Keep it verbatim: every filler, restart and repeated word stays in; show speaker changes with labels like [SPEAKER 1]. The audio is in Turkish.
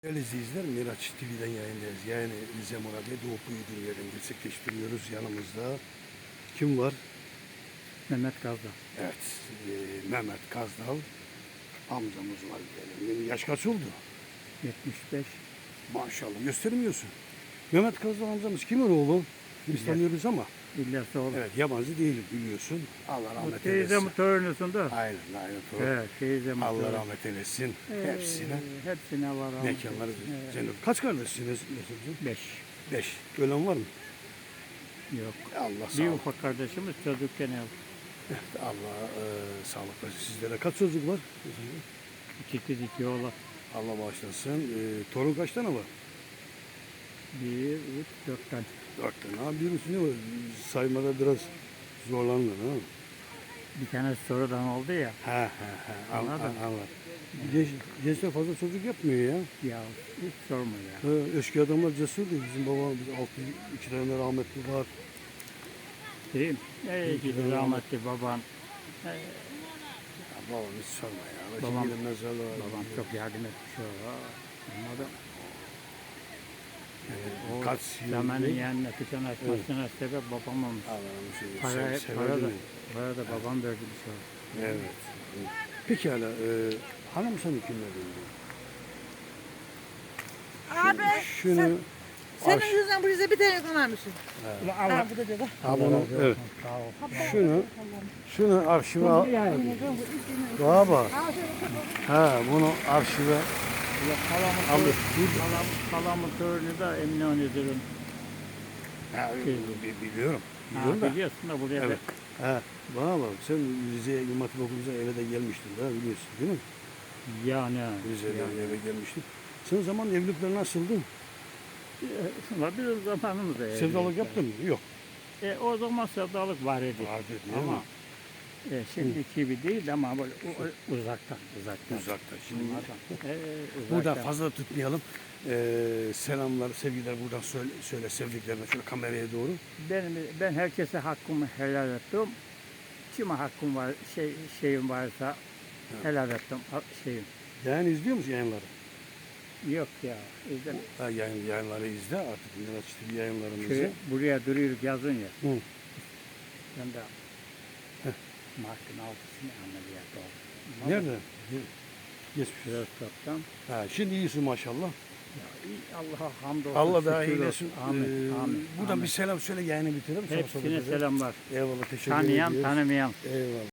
[SPEAKER 1] Değerli izleyiciler, Miraç T V'den yayındayız. Yani Rize Moral'de Doğu Büyüdüğüm yerini gerçekleştiriyoruz. Yanımızda kim var?
[SPEAKER 2] Mehmet Gazdal.
[SPEAKER 1] Evet, e, Mehmet Kazdal amcamız var. Yani yaş kaç oldu?
[SPEAKER 2] yetmiş beş.
[SPEAKER 1] Maşallah, göstermiyorsun. Mehmet Kazdal amcamız kimin oğlu? Biz
[SPEAKER 2] İlyas.
[SPEAKER 1] tanıyoruz ama.
[SPEAKER 2] İlyas oğlu.
[SPEAKER 1] Evet, yabancı değil biliyorsun. Allah
[SPEAKER 2] Bu
[SPEAKER 1] rahmet
[SPEAKER 2] teyze
[SPEAKER 1] eylesin.
[SPEAKER 2] mi torunusun da?
[SPEAKER 1] Aynen, aynen. Doğru.
[SPEAKER 2] Evet, teyze mi
[SPEAKER 1] Allah
[SPEAKER 2] torun.
[SPEAKER 1] rahmet eylesin
[SPEAKER 2] Ee,
[SPEAKER 1] hepsine.
[SPEAKER 2] Hepsine var rahmet.
[SPEAKER 1] Mekanları
[SPEAKER 2] eylesin.
[SPEAKER 1] cennet. Kaç kardeşsiniz? Mesut'cum?
[SPEAKER 2] Beş.
[SPEAKER 1] Beş. Ölen var mı?
[SPEAKER 2] Yok.
[SPEAKER 1] Allah
[SPEAKER 2] Bir
[SPEAKER 1] sağlık.
[SPEAKER 2] ufak kardeşimiz çocukken öldü.
[SPEAKER 1] Evet, Allah e, sağlık versin sizlere. Kaç çocuk var?
[SPEAKER 2] İki kız iki oğlan.
[SPEAKER 1] Allah bağışlasın. E, torun kaç tane var?
[SPEAKER 2] Bir, üç, dört tane.
[SPEAKER 1] Dört tane. Ha, birisi ne var? Saymada biraz zorlandın ha.
[SPEAKER 2] Bir tane sonradan oldu ya.
[SPEAKER 1] Ha ha ha. An,
[SPEAKER 2] Anladın.
[SPEAKER 1] an, anladım. Genç, gençler fazla çocuk yapmıyor ya.
[SPEAKER 2] Ya hiç sorma ya.
[SPEAKER 1] Ha, eski adamlar cesurdu. Bizim babamız altı, iki tane rahmetli var.
[SPEAKER 2] Değil mi? Ey
[SPEAKER 1] İki
[SPEAKER 2] gidi
[SPEAKER 1] tane
[SPEAKER 2] rahmetli babam. Ee,
[SPEAKER 1] Ya, babam hiç sorma ya.
[SPEAKER 2] Babam-
[SPEAKER 1] Şimdi mezarlığa
[SPEAKER 2] babam
[SPEAKER 1] gidiyor.
[SPEAKER 2] çok yardım etmiş o. Anladın?
[SPEAKER 1] Yani
[SPEAKER 2] O
[SPEAKER 1] kaç yıl
[SPEAKER 2] zamanın
[SPEAKER 1] değil?
[SPEAKER 2] yani kışın açmasına sebep babam olmuş.
[SPEAKER 1] Allah'ım seni
[SPEAKER 2] Para,
[SPEAKER 1] sev, severdi
[SPEAKER 2] para da,
[SPEAKER 1] mi?
[SPEAKER 2] para da babam verdi bir şey.
[SPEAKER 1] Evet. Pekala. E, hanım sen kimle döndün?
[SPEAKER 3] Abi
[SPEAKER 1] Şunu
[SPEAKER 3] sen, senin
[SPEAKER 1] aş-
[SPEAKER 3] yüzünden bu Rize bir tane kullanmışsın.
[SPEAKER 2] Allah
[SPEAKER 3] Ha, bu da dedi.
[SPEAKER 1] Ha, bunu, evet.
[SPEAKER 2] Sağ ol.
[SPEAKER 1] Şunu şunu arşive al. Baba. Ha bunu arşive
[SPEAKER 2] Kalamın
[SPEAKER 1] alır.
[SPEAKER 2] Kalam, kalamın törünü de Eminönü'dür.
[SPEAKER 1] Ha,
[SPEAKER 2] Şey.
[SPEAKER 1] bi- biliyorum.
[SPEAKER 2] Ha,
[SPEAKER 1] Biliyorum da.
[SPEAKER 2] biliyorsun da buraya
[SPEAKER 1] Evet.
[SPEAKER 2] da
[SPEAKER 1] Ha, bana bak sen Rize'ye İmam Hatip Okulu'na eve de gelmiştin daha biliyorsun değil mi?
[SPEAKER 2] yani.
[SPEAKER 1] Rize'den
[SPEAKER 2] yani.
[SPEAKER 1] eve gelmiştin. Sen o zaman evlilikler nasıldı?
[SPEAKER 2] Şuna bir zamanımız da
[SPEAKER 1] Sevdalık yaptın mı? Yok.
[SPEAKER 2] E, o zaman sevdalık var idi.
[SPEAKER 1] Vardı değil
[SPEAKER 2] Ama
[SPEAKER 1] mi?
[SPEAKER 2] e, şimdiki gibi değil ama böyle u- u- uzaktan, uzaktan.
[SPEAKER 1] Uzakta. Şimdi
[SPEAKER 2] Anladın? E,
[SPEAKER 1] buradan
[SPEAKER 2] uzaktan.
[SPEAKER 1] fazla tutmayalım. Ee, selamlar, sevgiler buradan söyle, söyle sevdiklerine şöyle kameraya doğru.
[SPEAKER 2] Benim, ben herkese hakkımı helal ettim. Kime hakkım var, şey, şeyim varsa helal ettim ha- şeyim.
[SPEAKER 1] Yani izliyor musun yayınları?
[SPEAKER 2] Yok ya, izle.
[SPEAKER 1] Ha, yayın, yayınları izle artık. Miraç T V yayınlarını
[SPEAKER 2] Köy,
[SPEAKER 1] izle.
[SPEAKER 2] buraya duruyoruz yazın ya.
[SPEAKER 1] Hı.
[SPEAKER 2] Ben de
[SPEAKER 1] Heh.
[SPEAKER 2] Mart'ın altısını ameliyat oldum.
[SPEAKER 1] Nerede? Geçmiş.
[SPEAKER 2] Biraz toptan.
[SPEAKER 1] Ha, şimdi iyisin maşallah.
[SPEAKER 2] Ya, iyi, Allah'a hamdolsun.
[SPEAKER 1] Allah daha
[SPEAKER 2] şükür
[SPEAKER 1] iyilesin.
[SPEAKER 2] olsun. Amin,
[SPEAKER 1] Ee,
[SPEAKER 2] amin.
[SPEAKER 1] Buradan
[SPEAKER 2] amin.
[SPEAKER 1] bir selam söyle yayını bitirelim. Sonra sohbet
[SPEAKER 2] Hepsine
[SPEAKER 1] edelim.
[SPEAKER 2] selamlar.
[SPEAKER 1] Eyvallah teşekkür
[SPEAKER 2] Tanıyan,
[SPEAKER 1] ediyoruz.
[SPEAKER 2] tanımayan.
[SPEAKER 1] Eyvallah.